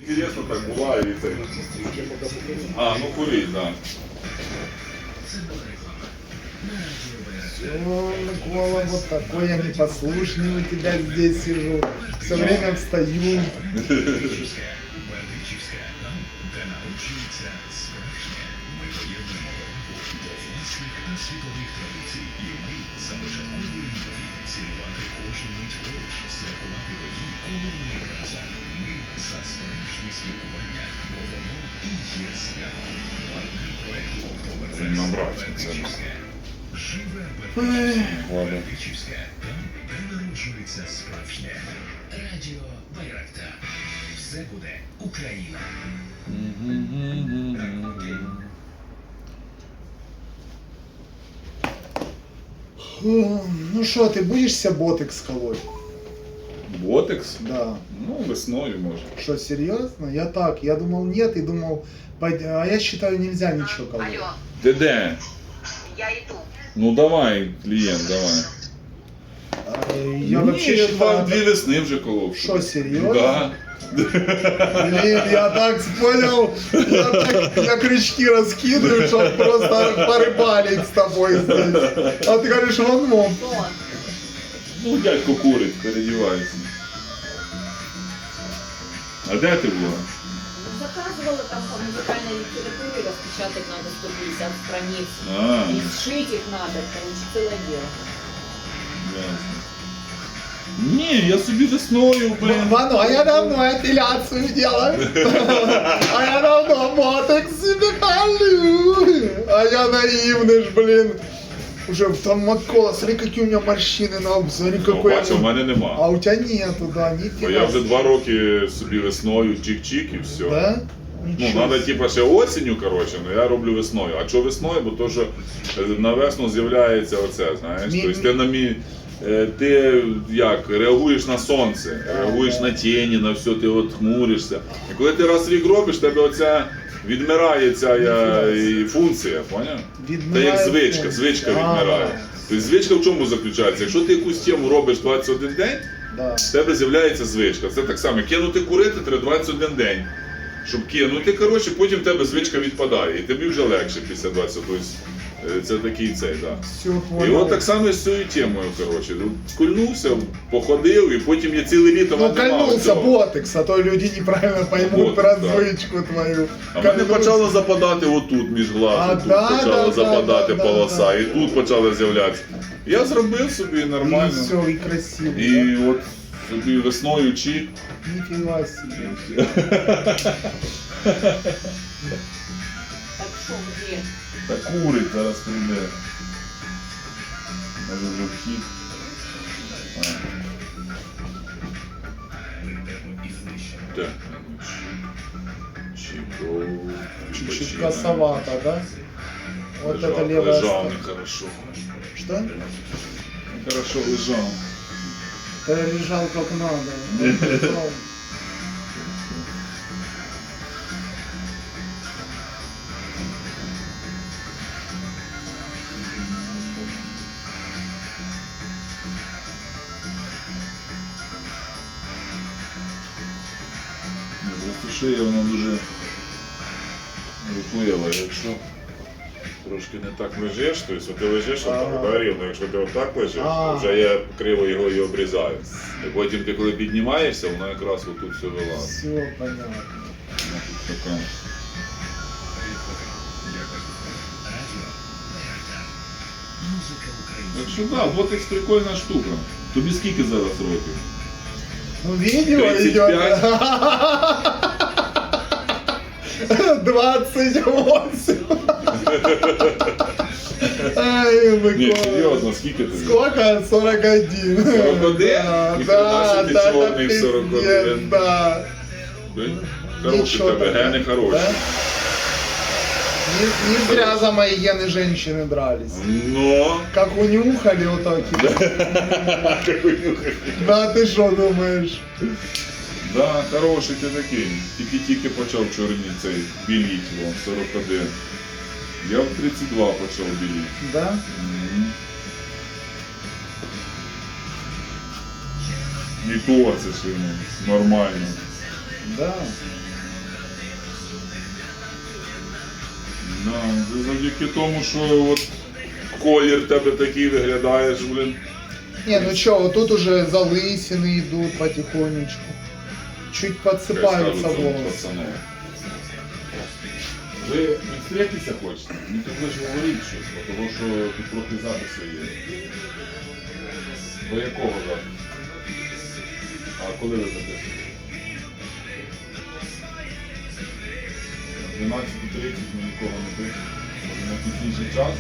інтересно так буває і це. А, ну курить, так. О, Микола, вот такой я непослушный у тебя здесь сижу. Все время встаю. Набрати це. Ладно. Там народжується справжнє. Радіо Байрактар. Все буде Україна. Ну что, ты будешь себе ботекс колоть? Ботекс? Да. Ну, весною може. Что, серьезно? Я так, я думал нет и думал, а я считаю нельзя ничего колоть. Алло, Ти де? я иду. Ну давай, клієнт, давай. Я вообще я считаю... дві весни вже колов. Что, серьезно? Да. Блин, я так понял, я крючки раскидываю, чтобы просто порыбалить с тобой здесь. А ты говоришь, вон мом. Что? Ну, дядько курить, передівається. А де ти була? Заказывала там по музыкальной литературе, распечатать надо 150 страниц. А, И сшить их надо, короче, целое дело. ясно. Ні, я собі весною, блин. Вану, а я давно эпиляцию делаю. А я давно ботекс себе колю. А я наивный ж, блин. Уже там Микола, смотри, какие у меня морщины на лбу, смотри, Ну, какой бачу, в я... мене нема. А у тебя нету, да, Бо нифига. я вже 2 роки собі весною чик-чик і все. Да? Ну, Ничего треба типа ще осінню, коротше, але я роблю весною. А чого весною? Бо то, що на весну з'являється оце, знаєш. Тобто ти ти як, реагуєш на сонце, реагуєш на тіні, на все, ти от хмуришся. І коли ти раз в рік робиш, тебе оця відмирає ця функція, поняв? Та як звичка, звичка відмирає. Тобто звичка в чому заключається? Якщо ти якусь тему робиш 21 день, Да. в тебе з'являється звичка. Це так само, кинути курити треба 21 день. Щоб кинути, коротше, потім в тебе звичка відпадає, і тобі вже легше після 20. Тобто це такий цей, так. Все, І понял. от так само з цією темою, коротше. Кульнувся, походив, і потім я ціле літо Ну, надимав кольнулся цього. ботекс, а то люди неправильно поймут Ботекс, про да. звичку твою. А в мене Кольнулся. почало западати отут між А, глазом, тут да, почала да, западати да, полоса, да. і тут почала з'являтися. Я зробив собі И нормально. все, и красиво. І от собі весною чик. Да? Нифига себе. Так что, где? Та курить зараз прийде. Може вже вхід. Так, чик. Чуть-чуть косовато, да? Вот это левая лежав сторона. нехорошо. Что? Нехорошо лежав. Ты лежал как надо. Просто шия вона дуже рухлива, якщо трошки не так лежиш, тобто ти лежиш отак, да, рівно, якщо ти отак лежиш, то вже я криво його і обрізаю. І потім ти коли піднімаєшся, вона якраз отут все вилазить. Все понятно. Вона тут така. Музика України. Так що так, ботекс прикольна штука. Тобі скільки зараз років? Ну, видео 35. идет. 28. Ай, Ні, Микола. серйозно, скільки тобі? Сколько? 41. 41? Да, І да, ти да, чорний в пиздец, 41. да. Хороші Ничего тебе, такого. гени хороші. Да? Не зря за мои гены женщины дрались. Но... Как унюхали вот так. Да, ты что думаешь? Да, хороший ти такий. Тільки-тільки почав чорні цей біліть, вон, 41. Я в 32 почав біліти. Да? Мгм. І то це ж нормально. Да. Да, завдяки тому, що от колір тебе такий виглядаєш, блін. Не, ну чё, вот тут уже залысины идут потихонечку. Чуть подсыпаются волосы. Пацани. Ви відстрітися хочете? Мені так лише говоріть щось, бо тому що тут трохи записи є. До якого запису? А коли ви записуєте? 12:30 ми нікого не пишемо. Може на пізніший час?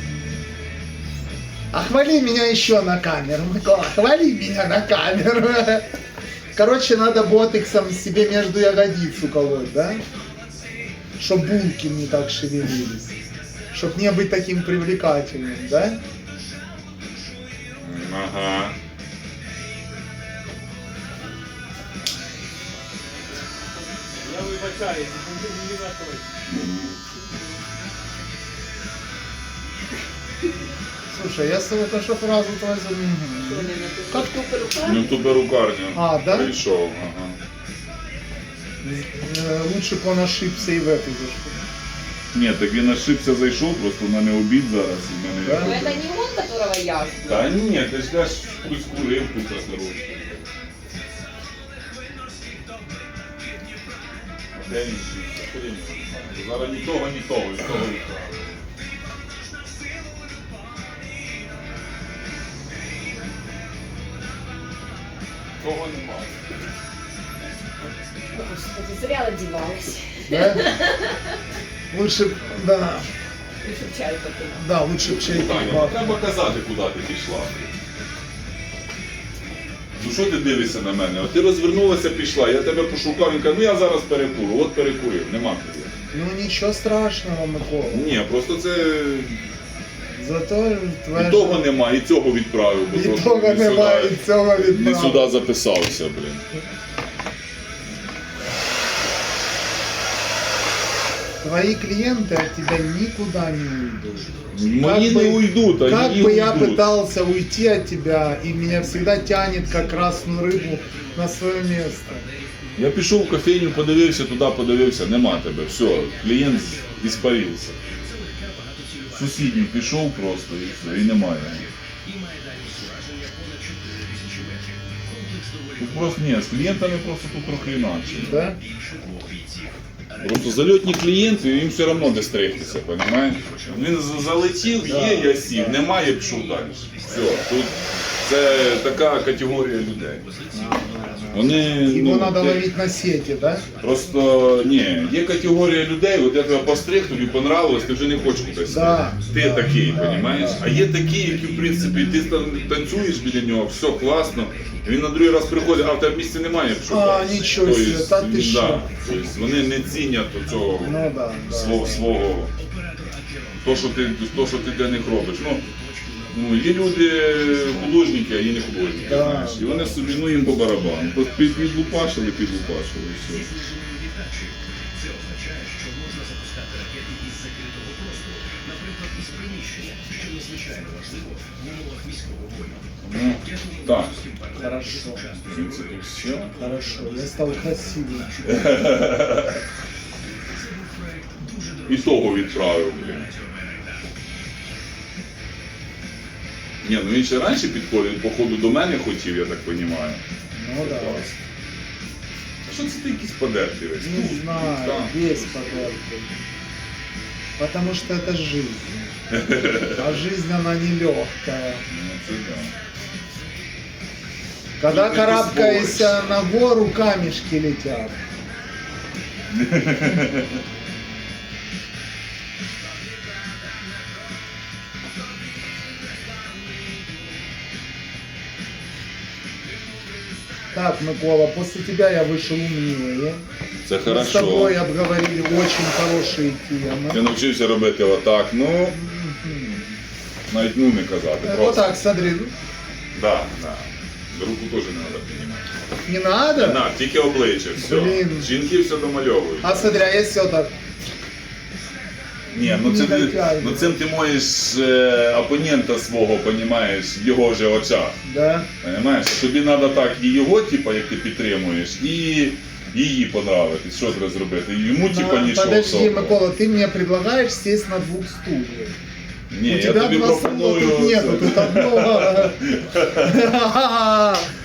А хвали меня еще на камеру, Микола, хвали меня на камеру. Короче, надо ботексом себе между ягодиц уколоть, да? Чтоб булки не так шевелились. Чтоб не быть таким привлекательным, да? Ага. Я вибачаюся, не на той. Слушай, я только что фразу твою заменил. Как ту перукарню? Ну ту перукарню. А, да? Прийшов, ага. Лучше бы он ошибся и в эту зашел. Ні, так він ошибся, зайшов, просто в мене обід зараз. І в мене... Да? Ну это не он, которого я жду. Та ні, ти ж теж хтось курив тут осторожно. А де він шибся? Куди він шибся? Зараз ні того, ні того, і того, і того. Того немає. Господи, зря одевалась. Да? Лучше, б- да, Лучше б чай попила. да, лучше б чайку Таня, бахнуть. треба казати, куди ти пішла. Ну що ти дивишся на мене? От ти розвернулася, пішла, я тебе пошукав, він каже, ну я зараз перекурю, от перекурив, нема тобі. Ну ничего страшного, Микола. Ні, просто це Зато твоя і того нема, і цього відправив, бо І то, що того не немає, сюди- і цього не відправив. сюди записався, блін. Твои клиенты от тебя никуда не уйдут. Мої Как не бы- уйдуть, а Как її бы я уйдуть. пытался уйти от тебя, и меня всегда тянет как красную рыбу на свое место. Я пішов в кофейню, подивився, туди подивився, нема тебе, все, клієнт іспарився. В сусідню пішов просто і все, і немає. І має дальність ураження понад 4000 метрів. Комплекс доволі Тут просто ні, з клієнтами просто тут трохи інакше. Да? більше 2 бійців. Просто зальотні клієнти, їм все одно де стригтися, розумієш? Він залетів, є, я сів, немає, пішов далі. Все, тут це така категорія людей. Вони, Его ну, надо ти- ловить на сети, да? Просто ні, є категорія людей, от я тебе постриг, тобі понравилось, ти вже не хочеш кудись. Да, Ти да, такий, да, розумієш? А є такі, які в принципі ти танцюєш біля нього, все класно. Він на другий раз приходить, а в тебе місця немає, пішов. А, далі. нічого Тобто, собі, та ти да, що? тобто вони не цінять цього Ну да, да. свого то, що ти для них робиш. Ну, є люди художники, а є не художники, Да, знаєш. І вони да. собі, ну їм по барабану. Просто підлупашили, і все. Віддачі. Це означає, що можна запускати ракети із закритого простору, наприклад, із приміщення, що надзвичайно важливо в умовах військового бою. Ну, так, Хорошо, в принципі, все. хорошо. Я стал красивым. І того відправив, блін. Ні, ну він ще раніше підходив, походу до мене хотів, я так розумію. Ну да. А що це ти якийсь подертий весь? Не знаю, Так. весь подеркой. Потому что это жизнь. А жизнь она нелегкая. Ну, це да. Когда Тут не карабкаешься на гору, камешки летят. Так, Микола, после тебя я вышел умнее. Це Мы с хорошо. тобой обговорили очень хорошие темы. Я навчився робити отак, ну, навіть ну не казати. Вот Просто. так, смотри. Да, да. Руку теж не треба піднімати. Не надо? На, тільки обличчя, все. Блін. Жінки все домальовують. А смотри, а если вот так? Ні, ну, не це, дотягує. ну цим ти можеш опонента свого, понімаєш, в його же очах. Да? Понимаєш? Тобі треба так і його, типу, як ти підтримуєш, і їй понравитись. Що треба зробити? Йому типа нічого. Подожди, особого. Микола, ты мне предлагаешь сесть на 2 стульях. Ні, У я тебя тобі 2 стула пропоную. тут нету, це. тут одно.